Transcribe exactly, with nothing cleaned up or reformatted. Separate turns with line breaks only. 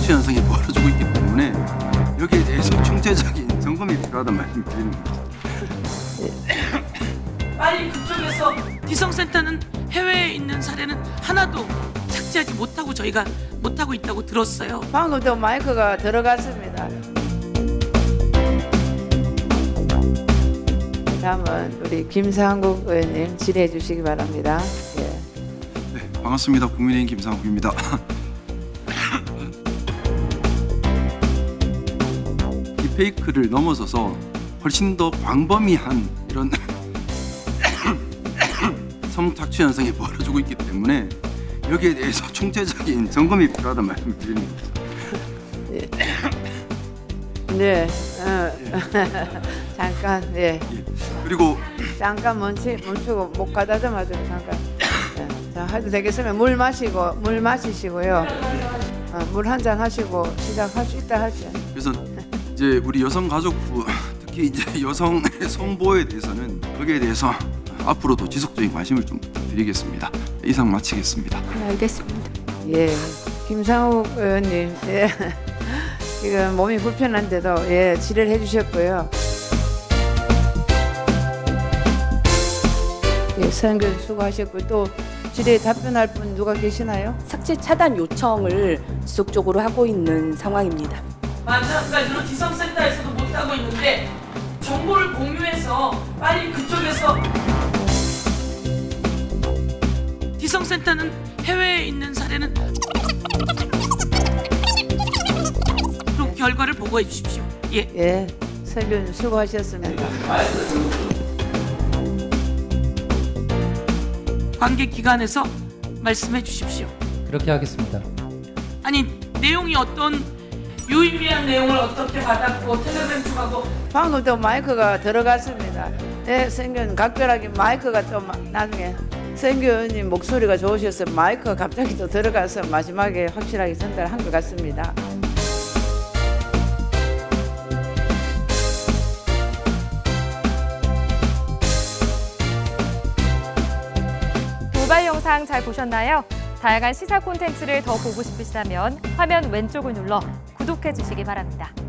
착취 현상이 벌어지고 있기 때문에 여기에 대해서 총체적인 점검이 필요하다는 말씀을 드립니다.
빨리 그쪽에서 기성센터는 해외에 있는 사례는 하나도 착지하지 못하고 저희가 못하고 있다고 들었어요.
방금도 마이크가 들어갔습니다. 다음은 우리 김상국 의원님 질의해 주시기 바랍니다. 예.
네, 반갑습니다. 국민의힘 김상국입니다. 딥페이크를 넘어서서 훨씬 더 광범위한 이런 성착취 현상이 벌어지고 있기 때문에 여기에 대해서 총체적인 점검이 필요하다는 말씀을 드립니다.
네. 어. 잠깐. 예.
예. 그리고
잠깐 멈추, 멈추고 목 가다듬어도 잠깐. 네. 자, 해도 되겠으면 물 마시고 물 마시시고요. 어, 물 한 잔 하시고 시작할 수 있다 하죠.
그래서 이제 우리 여성가족부 특히 이제 여성의 성보호에 대해서는 거기에 대해서 앞으로도 지속적인 관심을 좀 부탁드리겠습니다. 이상 마치겠습니다.
네, 알겠습니다.
예. 김상욱 의원님. 예. 지금 몸이 불편한데도 예, 질의를 해 주셨고요. 예, 선교 수고하셨고 또 질의에 답변할 분 누가 계시나요?
삭제 차단 요청을 지속적으로 하고 있는 상황입니다.
마찬가지로 기성센터에서도 못하고 있는데 정보를 공유해서 빨리 그쪽에서 기성센터는 해외에 있는 사례는 그럼 결과를 보고해 주십시오. 예.
예, 선교 수고하셨습니다.
관계 기관에서 말씀해 주십시오.
그렇게 하겠습니다.
아니 내용이 어떤 유의미한 내용을 어떻게 받았고 텔레그램 쪽하고
방금도 마이크가 들어갔습니다. 예, 선교 각별하게 마이크가 또 마- 나중에 선교 의원님 목소리가 좋으셔서 마이크가 갑자기 또 들어가서 마지막에 확실하게 전달한 것 같습니다.
도발 영상 잘 보셨나요? 다양한 시사 콘텐츠를 더 보고 싶으시다면 화면 왼쪽을 눌러 구독해 주시기 바랍니다.